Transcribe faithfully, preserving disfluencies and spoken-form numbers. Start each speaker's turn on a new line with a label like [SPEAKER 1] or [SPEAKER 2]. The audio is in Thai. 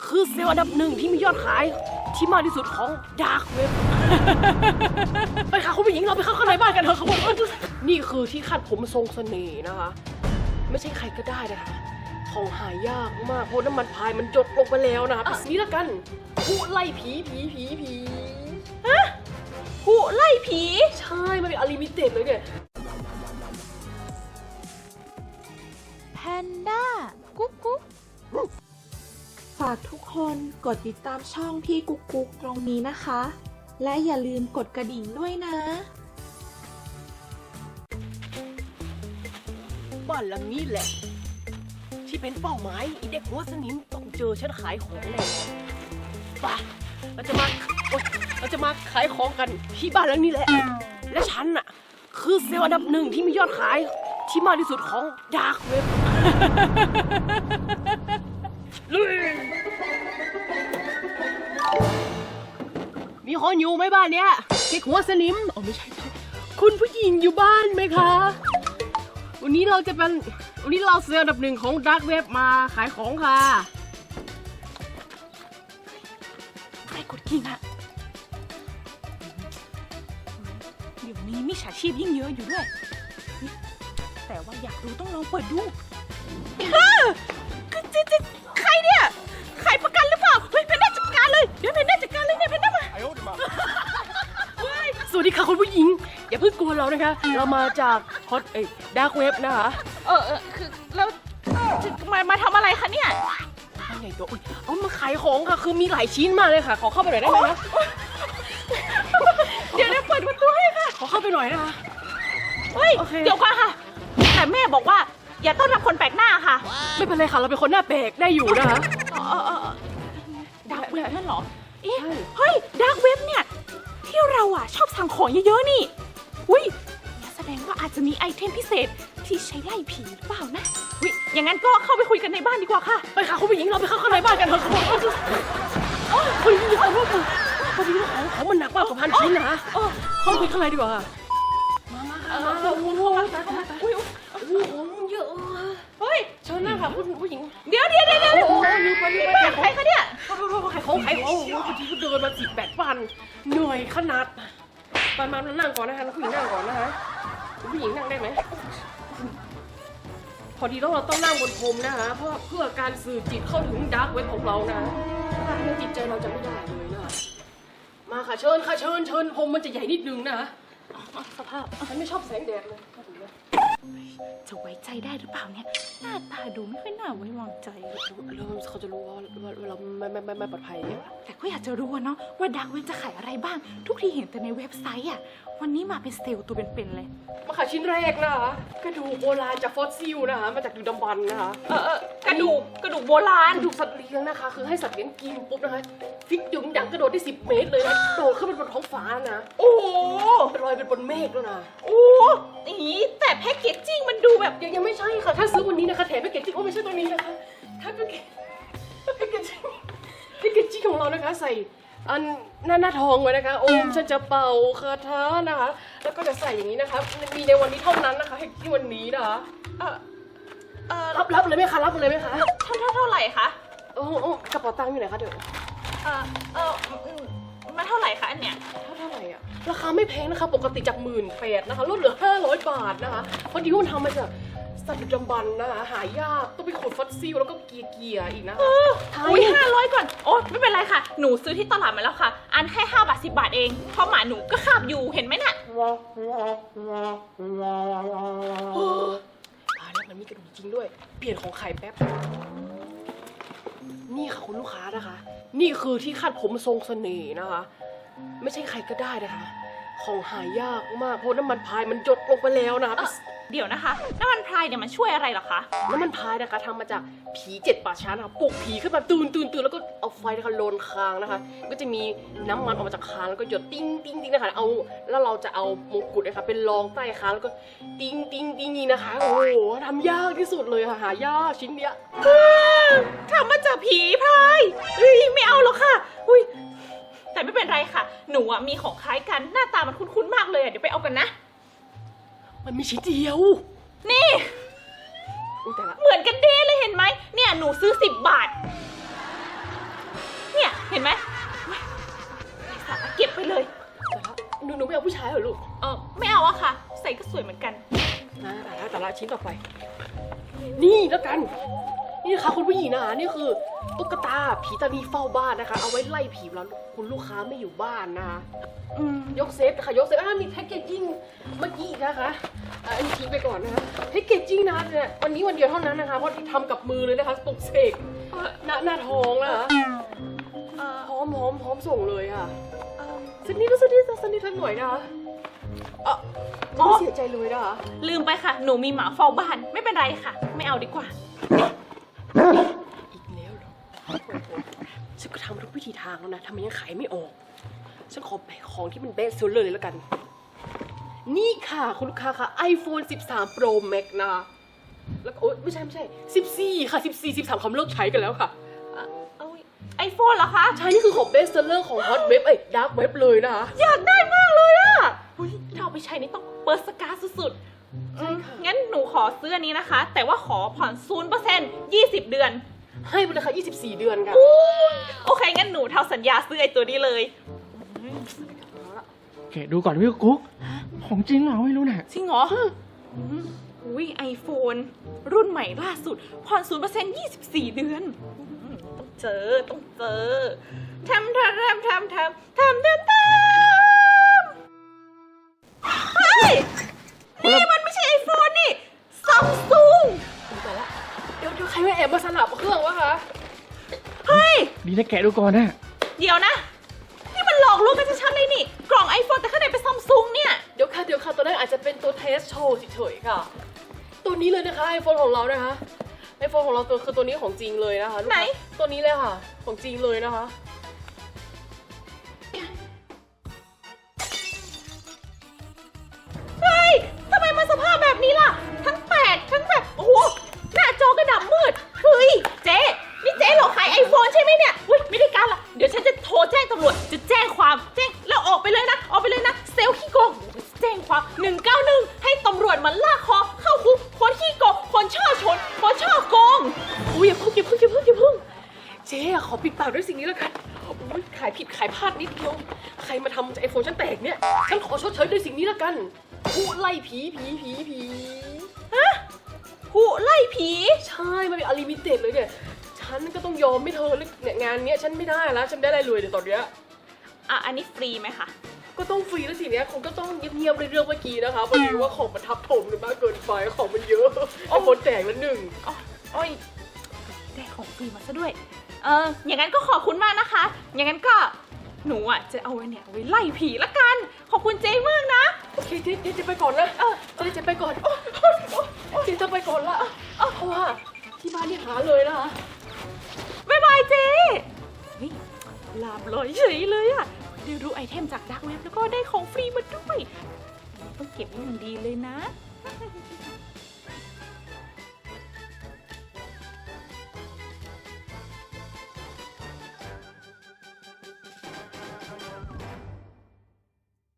[SPEAKER 1] คือเซลล์อันดับหนึ่งที่มียอดขายที่มากที่สุดของดาร์กเว็บ ไปค่ะคุณผู้หญิงเราไปเข้าข้างในบ้านกันเถอะครับผมนี่คือที่คาดผมทรงเสน่ห์นะคะไม่ใช่ใครก็ได้นะคะของหายากมากเพราะน้ำมันพายมันจดลงไปแล้วนะคะเป็นสีละกันผู้ไล่ผีผีผีผีฮะผู้ไล่ผีใช่มันเป็นอลิมิเต็ดเลยเนี่ย
[SPEAKER 2] แพนด้ากุ๊กกุ๊ก
[SPEAKER 3] ฝากทุกคนกดติดตามช่องพี่กุ๊กกุ๊กตรงนี้นะคะ และอย่าลืมกดกระดิ่งด้วยนะ
[SPEAKER 1] บ้านหลังนี้แหละที่เป็นเป้าหมายอีเด็กหัวสนิมต้องเจอฉันขายของแน่ไปเราจะมาโอ๊ยเราจะมาขายของกันที่บ้านหลังนี้แหละและฉันน่ะคือเซลล์อันดับหนึ่งที่มียอดขายที่มากที่สุดของดาร์กเว็บลุยมีคนอยู่ไหมบ้านเนี้ยเด็กหัวสนิมอ๋อไม่ใช่คุณผู้หญิงอยู่บ้านไหมคะวันนี้เราจะเป็นวันนี้เราเซลล์อันดับหนึ่งของดาร์กเว็บมาขายของค่ะ
[SPEAKER 2] ใครกดกิ่งอะเดี๋ยวนี้มิจฉาชีพยิ่งเยอะอยู่ด้วยแต่ว่าอยากรู้ต้องลองเปิดดูคือจะจะใครเนี่ยขายประกันหรือเปล่าเฮ้ยเพนด้าจัดการเลยเดี๋ยวเพนด้าจัดการเลยเนี่ยเพนด้ามา
[SPEAKER 1] สวัสดีค่ะคุณผู้หญิงอย่าเพิ่งกลัวเรานะคะเรามาจากฮอตเอ้ดาร์กเว็บนะคะ
[SPEAKER 2] เออเออคือแล้วมามาทำอะไรคะเนี่ย
[SPEAKER 1] ไม่ใหญ่ตัวเอามาขายของค่ะคือมีหลายชิ้นมากเลยค่ะขอเข้าไปหน่อยได้ไหมนะ
[SPEAKER 2] เดี๋ยวเดี๋ยวเปิดประตูให้ค่ะ
[SPEAKER 1] ขอเข้าไปหน่อยนะคะ
[SPEAKER 2] เฮ้ยเดี๋ยวก่อนค่ะแต่แม่บอกว่าอย่าต้อนรับคนแปลกหน้าค่ะ
[SPEAKER 1] ไม่เป็นไรค่ะเราเป็นคนหน้าแปลกได้อยู่นะคะ
[SPEAKER 2] เออเออดาร์กเว็บนั่นเหรอเอ๊ะเฮ้ยดาร์กเว็บเนี่ยที่เราอ่ะชอบสั่งของเยอะๆนี่อุ้ยแสดงว่าอาจจะมีไอเทมพิเศษที่ใช้ไล่ผีหรือเปล่านะอุ้ยอย่างนั้นก็เข้าไปคุยกันในบ้านดีกว่าค่ะ
[SPEAKER 1] ไปค่ะคุณผู้หญิงเราไปเข้าข้างในบ้านกันเถอะครับโอ้ยคุณผู้หญิงขอโทษค่ะพอดีว่าของของมันหนักมากกว่าพันชิ้นนะเข้าไปข้างในดีกว่ามามาค่ะมาเราเข้ามาเข้ามาอุ้ยของเยอะ
[SPEAKER 2] เฮ้ย
[SPEAKER 1] เชิญนั่งค่ะคุณผู้หญิง
[SPEAKER 2] เดี๋ยวเดี๋ยวเดี๋ยวเดี๋ยว
[SPEAKER 1] โอ้ยลืมไปลืมไป
[SPEAKER 2] ใครคะเนี่ย
[SPEAKER 1] ขอโทษขายของขายของพอดีก็เดินมาสิบแปดวันเหนื่อยขนาดไปมานั่งก่อนนะคะผู้หญิงนั่งก่อนนะคะผู้หญิงนั่งได้ไหมพอดีต้องเราต้องนั่งบนพรมนะคะเพราะเพื่อการสื่อจิตเข้าถึงดาร์กเว็บของเรานะถ้าไม่จิตใจเราจะไม่ได้เลยนะคะมาค่ะเชิญค่ะเชิญเชิญพรมมันจะใหญ่นิดนึงนะคะสภาพฉันไม่ชอบแสงแดดเลย
[SPEAKER 2] จะไว้ใจได้หรือเปล่าเนี่ยหน้าตาดูไม่ค่อยน่าไว้วางใจ
[SPEAKER 1] แล้วเขาจะรู้ว่าเราไม่ไม่ไม่ไม่ปลอดภัย
[SPEAKER 2] แต่ก็อยากจะรู้เนาะว่าดาร์กเว็บจะขายอะไรบ้างทุกทีเห็นแต่ในเว็บไซต์อ่ะวันนี้มาเป็นเซลล์ตัวเป็นๆเลย
[SPEAKER 1] มาขายชิ้นแรกนะคะกระดูกโบราณจากฟอสซิลนะคะมาจากดึกดำบรรพ์นะคะ
[SPEAKER 2] เออเออกระดูกกระดูกโบราณ
[SPEAKER 1] กระดูกสัตว์เลี้ยงนะคะคือให้สัตว์เลี้ยงกินปุ๊บนะคะฟิกดึงดังกระโดดได้สิบเมตรเลยนะโดดขึ้นไปบนท้องฟ้านะ
[SPEAKER 2] โอ้โห
[SPEAKER 1] ลอยเป็นบนเมฆแล้วนะ
[SPEAKER 2] โอ้อีแต่แพ็กเกจจิ้งมันดูแบบ
[SPEAKER 1] ยังยังไม่ใช่ค่ะถ้าซื้อวันนี้นะคะแถมแพ็กเกจจิ้งโอ้ไม่ใช่ตัวนี้นะคะถ้าแพ็กเกจแพ็กเกจจิ้งแพ็กเกจจิ้งของเรานะคะใส่อันหน้าหน้าทองไว้นะคะโอมฉันจะเป่าคาถานะคะแล้วก็จะใส่อย่างนี้นะคะมีในวันนี้เท่านั้นนะคะที่วันนี้นะคะ
[SPEAKER 2] เออเออ
[SPEAKER 1] รับรับเลยไหมคะรับเลยไหมคะ
[SPEAKER 2] เท่าเท่าเท่าไหร่คะ
[SPEAKER 1] โอ้โอ้กระเป๋าตังค์อยู่ไหนคะเดี๋ยว
[SPEAKER 2] เออเออมาเท่าไหร่คะอันเนี้ย
[SPEAKER 1] เท่าเท่าไหร่อะราคาไม่แพงนะคะปกติจากหมื่นแปดนะคะลดเหลือห้าร้อยบาทนะคะเพราะที่มันทำมาจากสัตว์ดึกดำบรรพ์นะคะหายากต้องไปขุดฟอสซิลแล้วก็เกียร์เกียร์อีกนะ
[SPEAKER 2] อุ้ยห้าร้อยก่อนโอ้ไม่เป็นไรค่ะหนูซื้อที่ตลาดมาแล้วค่ะอันแค่ห้าบาทสิบบาทเองเพราะหมาหนูก็คาบอยู่เห็นไหมน่ะ
[SPEAKER 1] ตายแล้วมันมีกระดูกจริงด้วยเปลี่ยนของไข่แป๊บนี่ค่ะคุณลูกค้านะคะนี่คือที่คาดผมทรงเสน่ห์นะคะไม่ใช่ใครก็ได้นะคะของหายากมากเพราะน้ำมันพายมันจดลงไปแล้วนะคะ
[SPEAKER 2] เดี๋ยวนะคะน้ำมันพายเนี่ยมันช่วยอะไรหรอคะ
[SPEAKER 1] น้ำมันพายนะคะทำมาจากผีเจ็ดป่าช้านะคะปลุกผีขึ้นมาตื่นตื่นตื่นแล้วก็เอาไฟนะคะโลนคางนะคะก็จะมีน้ำมันออกมาจากคางแล้วก็หยดติ้งติ้งติ้งนะคะเอาแล้วเราจะเอามงกุฎนะคะเป็นรองใต้คางแล้วก็ติ้งติ้งติ้งนี่นะคะโอ้โหทำยากที่สุดเลยค่ะหายากชิ้นเนี้ย
[SPEAKER 2] ทำมาจากผีพายเฮ้ยไม่เอาหรอกค่ะอุ้ยแต่ไม่เป็นไรค่ะหนูมีของคล้ายกันหน้าตามันคุ้นๆมากเลยเดี๋ยวไปเอากันนะ
[SPEAKER 1] มันมีชิ้นเดียว
[SPEAKER 2] นี่เหมือนกันเด้เลยเห็นไหมเนี่ยหนูซื้อสิบบาทห็นไหมเฮ้ยไร้สาระเก็บไปเลย
[SPEAKER 1] แต่ละหนูหนูไม่เอาผู้ชายเหรอลูก
[SPEAKER 2] เออไม่เอาอะค่ะ ใส่ก็สวยเหมือนกัน
[SPEAKER 1] นะแต่ละแต่ละชิ้นต่อไป นี่แล้วกัน นี่นะคะคุณผู้หญิงนะคะนี่คือตุ๊กตาผีตานีเฝ้าบ้านนะคะ เอาไว้ไล่ผีเวลาคุณลูกค้าไม่อยู่บ้านนะคะ
[SPEAKER 2] อืม
[SPEAKER 1] ยกเซฟนะคะยกเซฟอ่ามีแพ็กเกจจิ้งเมื่อกี้อีกนะคะอ่าอันนี้ทิ้งไปก่อนนะคะแพ็กเกจจิ้งนะคะเนี่ยวันนี้วันเดียวเท่านั้นนะคะเพราะทำกับมือเลยนะคะปลุกเสกหน้าหน้าท้องนะคะ
[SPEAKER 2] เออ
[SPEAKER 1] พร้อมพร้อมพร้อมส่งเลยค่ะ
[SPEAKER 2] เออ
[SPEAKER 1] สักนิดก็สักนิดสักนิดทักหน่อยนะคะเอ่ะไม่เสียใจเลยนะคะ
[SPEAKER 2] ลืมไปค่ะ หนูมีหมาเฝ้าบ้าน ไม่เป็นไรค่ะ ไม่เอาดีกว่า
[SPEAKER 1] อีกแล้วเหรอฉันก็ทำทุกวิธีทางแล้วนะทำไมยังขายไม่ออกฉันขอแบกของที่มันเบสเซลเลอร์เลยแล้วกัน นี่ค่ะคุณลูกค้าค่ะ iPhone สิบสาม Pro Max นะคะแล้วก็โอ๊ยไม่ใช่ไม่ใช่สิบสี่ค่ะสิบสี่ สิบสามเขาเลิกใช้กันแล้วค่ะ
[SPEAKER 2] เอาไอโฟนเหรอคะ
[SPEAKER 1] ใช่นี่คือของเบสเซลเลอร์ของ Hot Web เอ้ย Dark Web เลยนะคะ
[SPEAKER 2] อยากได้มากเลยอะอุ๊ยถ้าเอาไปใช้นี่ต้องเปิดสกาสุดๆอืมงั้นหนูขอซื้ออันนี้นะคะ แต่ว่าขอผ่อนศูนย์เปอร์เซ็นต์ยี่สิบเดือน
[SPEAKER 1] ให้ไปเลยค่ะยี่สิบสี่เดือนค่ะ
[SPEAKER 2] โอเค งั้นหนูเท่าสัญญาซื้อไอตัวนี้เลย
[SPEAKER 4] โอเคดูก่อนพี่กุ๊กของจริงเหรอไม่รู้เนี่ย
[SPEAKER 2] จริงเหรออืมอุ้ยไอโฟนรุ่นใหม่ล่าสุด ผ่อนศูนย์เปอร์เซ็นต์ยี่สิบสี่เดือนอืมต้องเจอ ต้องเจอทำทำทำทำทำทำทำทำเฮ้ย นี่มันไม่ใช่ไอโฟนนี่ซัมซุง
[SPEAKER 1] แต่ละเดี๋ยวเดี๋ยวใครมาแอบมาสลับเครื่องวะคะ
[SPEAKER 2] เฮ้ย
[SPEAKER 4] ดีนะแกะดูก่อนนะ
[SPEAKER 2] เดี๋ยวนะ นี่มันหลอกลวงกันชัดๆเลยนี่ กล่องไอโฟนแต่ข้างในเป็นซัมซุงเนี่ย
[SPEAKER 1] เดี๋ยวค่ะเดี๋ยวค่ะตัวนั้นอาจจะเป็นตัวเทสโชว์เฉยๆค่ะ ตัวนี้เลยนะคะ iPhone ของเรานะคะ iPhone ของเราตัวคือตัวนี้ของจริงเลยนะคะลูก
[SPEAKER 2] ไหน
[SPEAKER 1] ค้าตัวนี้เลยค่ะ ของจริงเลยนะคะ
[SPEAKER 2] เฮ้ย ทำไมมันสภาพแบบนี้ล่ะ ทั้งแตกทั้งแบบ โอ้โห หน้าจอกระดับมืด เฮ้ย เจ๊ นี่เจ๊หลอกขายไอโฟนใช่ไหมเนี่ยอุ้ยไม่ได้การละเดี๋ยวฉันจะโทรแจ้งตำรวจ จะแจ้งความ แจ้ง แล้วออกไปเลยนะ ออกไปเลยนะ เซลล์ขี้โกงแจ้งความหนึ่งเก้าหนึ่งให้ตำรวจมาลากคอ เข้าคุก คนขี้โกง คนช่อชน คนช่อโกง
[SPEAKER 1] อุ้ยอย่าพึ่งอย่าพึ่งอย่าพึ่งอย่าพึ่งเจ๊อะขอปิดปากด้วยสิ่งนี้แล้วกันอุ้ยขายผิดขายพลาดนิดเดียว ใครมาทำไอโฟนฉันแตกเนี่ย ฉันขอชดเชยด้วยสิ่งนี้แล้วกันผู้ไล่ผีผีผีผี
[SPEAKER 2] ฮะผู้ไล่ผี
[SPEAKER 1] ใช่ มันเป็นอลิมิเต็ดเลยเนี่ย ฉันก็ต้องยอมไม่เธอเลยเนี่ยงานเนี้ยฉันไม่ได้แล้ว ฉันไม่ได้อะไรเลยเดี๋ยวตอนเนี้ย
[SPEAKER 2] อ่ะ อันนี้ฟรีไหมคะ
[SPEAKER 1] ก็ต้องฟรีแล้วสิเนี้ยคงก็ต้องเงียบๆในเรื่องเมื่อกี้นะคะพอดีว่าของมันทับถมกันมากเกินไปของมันเยอะไอโฟนแตกแล้วหนึ่ง
[SPEAKER 2] อ๋อโอ้ยได้ของฟรีมาซะด้วย เออ อย่างนั้นก็ขอบคุณมากนะคะ อย่างนั้นก็หนูอ่ะจะเอาไว้เนี่ยเอาไว้ไล่ผีละกัน ขอบคุณเจ๊มากนะ
[SPEAKER 1] โอเคเจ๊เจ๊จะไปก่อนนะ
[SPEAKER 2] เออ
[SPEAKER 1] เจ๊จะไปก่อนเจ๊จะไปก่อนละเพราะว่าที่บ้านนี่หาเลยนะคะ
[SPEAKER 2] บ๊ายบายเจ๊เฮ้ยลาบลอยเฉยเลยอะได้รู้ไอเทมจากดักเว็บแล้วก็ได้ของฟรีมาด้วย ต้องเก็บไว้อย่างดีเลยนะ